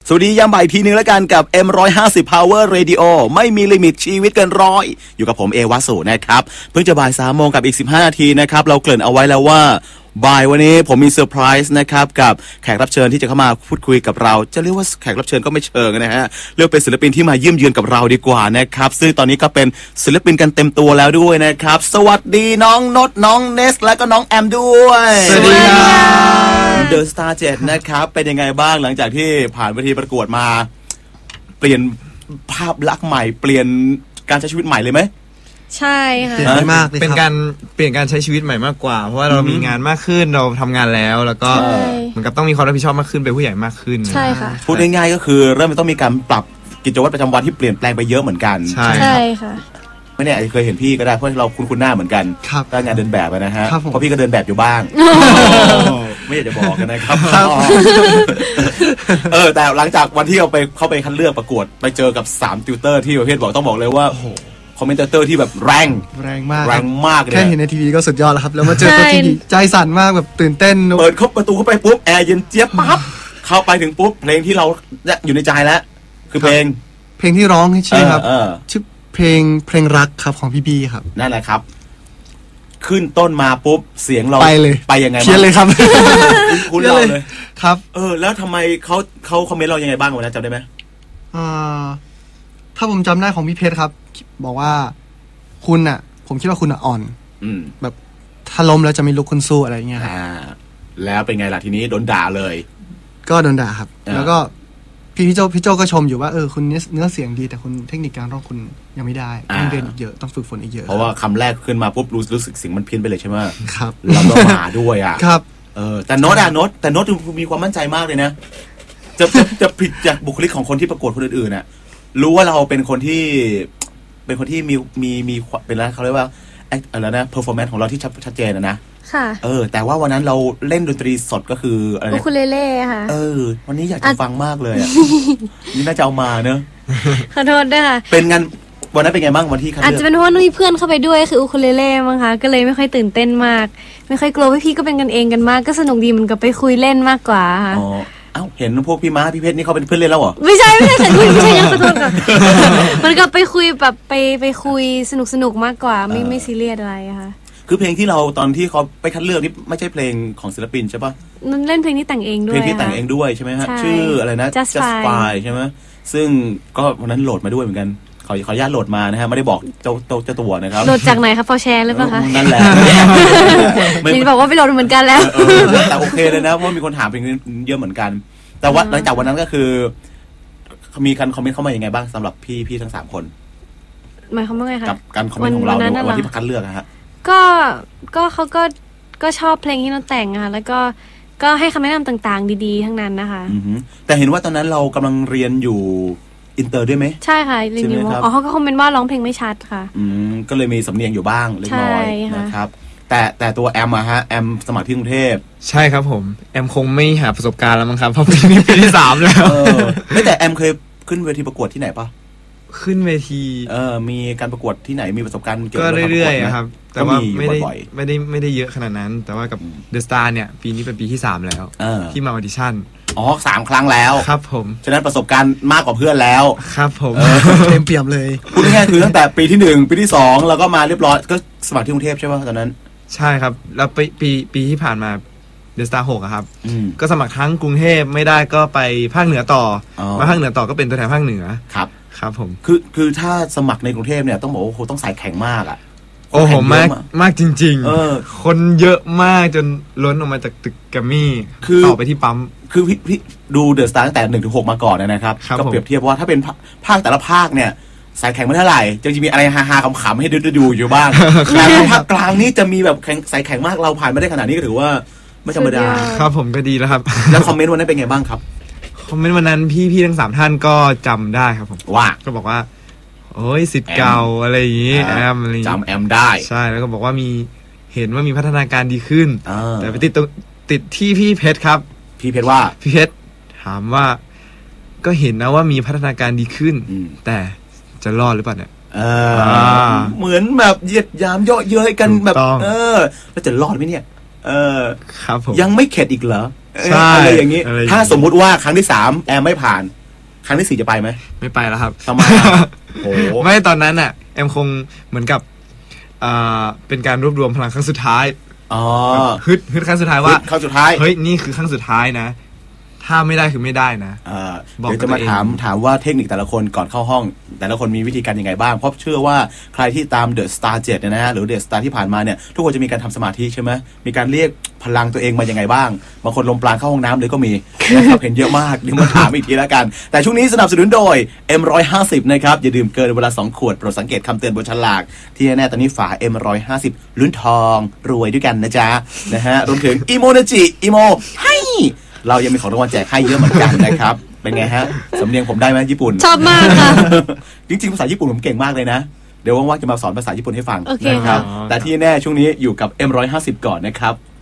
สวัสดียามบ่ายทีนึงแล้วกันกับ M150 Power Radio ไม่มีลิมิตชีวิตเกินร้อยอยู่กับผมเอวาสุนะครับเพิ่งจะบ่าย3 โมงกับอีก15 นาทีนะครับเราเกริ่นเอาไว้แล้วว่าบ่ายวันนี้ผมมีเซอร์ไพรส์นะครับกับแขกรับเชิญที่จะเข้ามาพูดคุยกับเราจะเรียกว่าแขกรับเชิญก็ไม่เชิงนะฮะเรียกเป็นศิลปินที่มาเยี่ยมเยือนกับเราดีกว่านะครับซึ่งตอนนี้ก็เป็นศิลปินกันเต็มตัวแล้วด้วยนะครับสวัสดีน้องนดน้องเนสและก็น้องแอมด้วยสวัสดีครับ The Star 7นะครับเป็นยังไงบ้างหลังจากที่ผ่านเวทีประกวดมาเปลี่ยนภาพลักษณ์ใหม่เปลี่ยนการใช้ชีวิตใหม่เลยไหมใช่ค่ะเปลี่ยนมากเลยเป็นการเปลี่ยนการใช้ชีวิตใหม่มากกว่าเพราะว่าเรามีงานมากขึ้นเราทำงานแล้วก็เหมือนกับต้องมีความรับผิดชอบมากขึ้นเป็นผู้ใหญ่มากขึ้นใช่ค่ะพูดง่ายๆก็คือเริ่มต้องมีการปรับกิจวัตรประจำวันที่เปลี่ยนแปลงไปเยอะเหมือนกันใช่ค่ะไม่แน่อาจจะเคยเห็นพี่ก็ได้เพราะเราคุ้นหน้าเหมือนกันก็งานเดินแบบนะฮะเพราะพี่ก็เดินแบบอยู่บ้างไม่อยากจะบอกกันนะครับแต่หลังจากวันที่เราไปเข้าไปคัดเลือกประกวดไปเจอกับ3ติวเตอร์ที่ประเภทบอกต้องบอกเลยว่าคอมเมนเตอร์ที่แบบแรงมากเลยแค่เห็นในทีวีก็สุดยอดแล้วครับแล้วมาเจอตัวจริงใจสั่นมากแบบตื่นเต้นเปิดเข้าประตูเข้าไปปุ๊บแอร์เย็นเจี๊ยบปั๊บเข้าไปถึงปุ๊บเพลงที่เราอยู่ในใจแล้วคือเพลงที่ร้องใช่ครับชื่อเพลงรักครับของพี่บีครับนั่นแหละครับขึ้นต้นมาปุ๊บเสียงเราไปเลยไปยังไงเพี้ยนเลยครับคุณเราเลยครับแล้วทำไมเขาคอมเมนต์เรายังไงบ้างวันนั้นจำได้ไหมถ้าผมจำได้ของพี่เพชรครับบอกว่าคุณอ่ะผมคิดว่าคุณอ่อนแบบถ้าล้มแล้วจะไม่ลุกขึ้นสู้อะไรเงี้ยครับแล้วเป็นไงล่ะทีนี้โดนด่าเลยก็โดนด่าครับแล้วก็พี่โจก็ชมอยู่ว่าคุณเนื้อเสียงดีแต่คุณเทคนิคการร้องคุณยังไม่ได้ต้องเรียนอีกเยอะต้องฝึกฝนอีกเยอะเพราะว่าคำแรกขึ้นมาปุ๊บรู้สึกเสียงมันเพี้ยนไปเลยใช่ไหมครับเราต้องมาด้วยอ่ะครับแต่โน้ตมีความมั่นใจมากเลยนะจะผิดจากบุคลิกของคนที่ประกวดคนอื่นๆน่ะรู้ว่าเราเป็นคนที่มีเป็นอะไรเขาเรียกว่าอะไรนะ performance ของเราที่ชัดเจนนะค่ะแต่ว่าวันนั้นเราเล่นดนตรีสดก็คืออะไรอูคูเลเล่ค่ะวันนี้อยากจะฟังมากเลยอ่ะนี่น่าจะเอามาเนอะขอโทษด้วยค่ะเป็นงานวันนั้นเป็นไงบ้างวันที่คัดเลือกอาจจะเป็นเพราะว่ามีเพื่อนเข้าไปด้วยคืออูคูเลเล่มั้งคะก็เลยไม่ค่อยตื่นเต้นมากไม่ค่อยกลัวพี่ก็เป็นกันเองกันมากก็สนุกดีเหมือนกับไปคุยเล่นมากกว่าค่ะเห็นพวกพี่ม้าพี่เพชรนี่เขาเป็นเพื่อนเล่นแล้วเหรอไม่ใช่ค่ะไม่ใช่ยังขอโทษค่ะมันก็ไปคุยแบบไปคุยสนุกมากกว่าไม่ซีเรียสอะไรค่ะคือเพลงที่เราตอนที่เขาไปคัดเลือกนี่ไม่ใช่เพลงของศิลปินใช่ปะนั่นเล่นเพลงที่แต่งเองด้วยเพลงที่แต่งเองด้วยใช่ไหมฮะชื่ออะไรนะ Just Fine ใช่ไหมซึ่งก็วันนั้นโหลดมาด้วยเหมือนกันขออนุญาตโหลดมานะฮะไม่ได้บอกเจ้าตัวนะครับโหลดจากไหนครับพอแชร์หรือเปล่าคะนั่นแหละนี่บอกว่าไปโหลดเหมือนกันแล้วแต่โอเคเลยนะเพราะมีคนถามเพลงนี้เยอะเหมือนกันแต่ว่าหลังจากวันนั้นก็คือมีการคอมเมนต์เข้ามาอย่างไงบ้างสำหรับพี่ทั้ง3คนหมายความว่าไงคะกับการคอมเมนต์ของเราในวันที่คัดเลือกนะฮะก็เขาก็ชอบเพลงที่เราแต่งค่ะแล้วก็ให้คำแนะนำต่างๆดีๆทั้งนั้นนะคะแต่เห็นว่าตอนนั้นเรากำลังเรียนอยู่อินเตอร์ด้วยไหมใช่ค่ะเรียนอยู่เขาก็คอมเมนต์ว่าร้องเพลงไม่ชัดค่ะก็เลยมีสำเนียงอยู่บ้างเล็กน้อยนะครับแต่ตัวแอมอะฮะแอมสมัครที่กรุงเทพใช่ครับผมแอมคงไม่หาประสบการณ์แล้วมั้งครับเพราะปีนี้ปีที่3แล้วไม่แต่แอมเคยขึ้นเวทีประกวดที่ไหนปะขึ้นเวทีมีการประกวดที่ไหนมีประสบการณ์เกี่ยวกับก็เรื่อยๆครับแต่ว่าไม่ได้เยอะขนาดนั้นแต่ว่ากับ The Star เนี่ยปีนี้เป็นปีที่3แล้วที่มาออดิชั่น 3 ครั้งแล้วครับผมฉะนั้นประสบการณ์มากกว่าเพื่อนแล้วครับผมเต็มเปี่ยมเลยพูดง่ายๆคือตั้งแต่ปีที่1ปีที่2แล้วก็มาเรียบร้อยก็สมัครที่กรุงเทพใช่ป่ะตอนนั้นใช่ครับแล้วปีที่ผ่านมา The Star 6ครับก็สมัครทั้งกรุงเทพไม่ได้ก็ไปภาคเหนือต่อมาภาคเหนือต่อก็เป็นตัวแทนภาคเหนือครับผมคือถ้าสมัครในกรุงเทพเนี่ยต้องบอกว่าโอ้ต้องใส่แข็งมากอ่ะโอ้โหมากจริงๆคนเยอะมากจนล้นออกมาจากตึกแกรมมี่ต่อไปที่ปั๊มคือพี่ดูเดอะสตาร์ตั้งแต่1 ถึง 6มาก่อนนะครับก็เปรียบเทียบว่าถ้าเป็นภาคแต่ละภาคเนี่ยใส่แข็งไม่เท่าไหร่จะมีอะไรฮาๆขำๆให้ดูอยู่บ้างแต่ภาคกลางนี่จะมีแบบใส่แข็งมากเราผ่านมาได้ขนาดนี้ก็ถือว่าไม่ธรรมดาครับผมก็ดีแล้วครับแล้วคอมเมนต์วันนั้นเป็นไงบ้างครับคอมเมนต์วันนั้นพี่ทั้ง3ท่านก็จำได้ครับผมว่าก็บอกว่าโอ้ยศิษย์เก่าอะไรอย่างนี้แอมอะไรจำแอมได้ใช่แล้วก็บอกว่าเห็นว่ามีพัฒนาการดีขึ้นแต่ไปติดที่พี่เพชรครับพี่เพชรว่าพี่เพชรถามว่าก็เห็นนะว่ามีพัฒนาการดีขึ้นแต่จะรอดหรือเปล่าเนี่ยเหมือนแบบเหยียดยามเยาะเย้ยกันแบบแล้วจะรอดไหมเนี่ยครับผมยังไม่เข็ดอีกเหรอใช่อะไรอย่างนี้อะไรอย่างนี้ถ้าสมมุติว่าครั้งที่3แอมไม่ผ่าน ครั้งที่4จะไปไหมไม่ไปแล้วครับทำไมอ่ะโอ้โหไม่ตอนนั้นอ่ะแอมคงเหมือนกับเป็นการรวบรวมพลังครั้งสุดท้ายอ๋อฮึดครั้งสุดท้ายว่าครั้งสุดท้ายเฮ้ยนี่คือครั้งสุดท้ายนะ ถ้าไม่ได้คือไม่ได้นะ บอกเดี๋ยวจะมาตัวเองถามว่าเทคนิคแต่ละคนก่อนเข้าห้อง แต่ละคนมีวิธีการยังไงบ้างเพราะเชื่อว่าใครที่ตาม The Star 7เนี่ยนะฮะหรือ The Star ที่ผ่านมาเนี่ยทุกคนจะมีการทำสมาธิใช่ไหมมีการเรียกพลังตัวเองมายังไงบ้างบางคนลมปราณเข้าห้องน้ำเลยก็มีนะครับ เห็นเยอะมากเดี๋ยวมาถามอีกทีแล้วกัน แต่ช่วงนี้สนับสนุนโดย M150 นะครับอย่าดื่มเกินเวลา2ขวดโปรดสังเกตคำเตือนบนฉลากที่แน่ๆตอนนี้ฝา M150 ลุ้นทองรวยด้วยกันนะจ๊ะนะฮะรวมถึงอีโมนาจิอีโมให้เรายังมีของรางวัลแจกให้เยอะเหมือนกันนะครับ เป็นไงฮะ สำเนียงผมได้ไหมญี่ปุ่นชอบมากค่ะจริงๆภาษาญี่ปุ่นผมเก่งมากเลยนะ เดี๋ยวว่างๆจะมาสอนภาษาญี่ปุ่นให้ฟังโอเคนะครับค่ะแต่ที่แน่ช่วงนี้อยู่กับ M150 ก่อนนะครับ